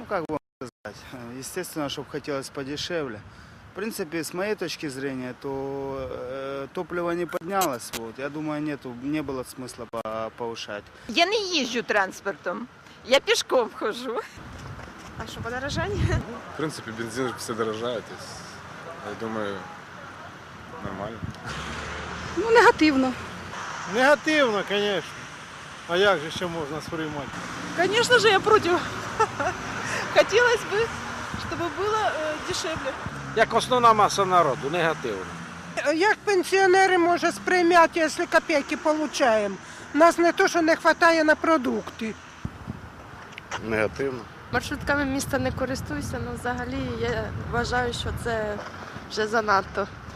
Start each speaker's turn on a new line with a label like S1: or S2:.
S1: как бы сказать, естественно, чтобы хотелось подешевле. В принципе, с моей точки зрения, то топливо не поднялось. Вот. Я думаю, не было смысла повышать.
S2: Я не їжджу транспортом, я пішком ходжу.
S3: А що, подорожання?
S4: В принципе, бензин все дорожает. Я думаю, нормально.
S3: Ну, негативно.
S5: Негативно, звісно. А як же ще можна сприймати?
S3: Конечно же, я против. Хотелось бы, чтобы было дешевле.
S6: Як основна маса народу, негативно.
S7: Як пенсіонери може сприйняти, якщо копійки отримуємо? Нас не то, що не вистачає на продукти.
S4: Негативно.
S8: Маршрутками міста не користуюся, але взагалі я вважаю, що це вже занадто.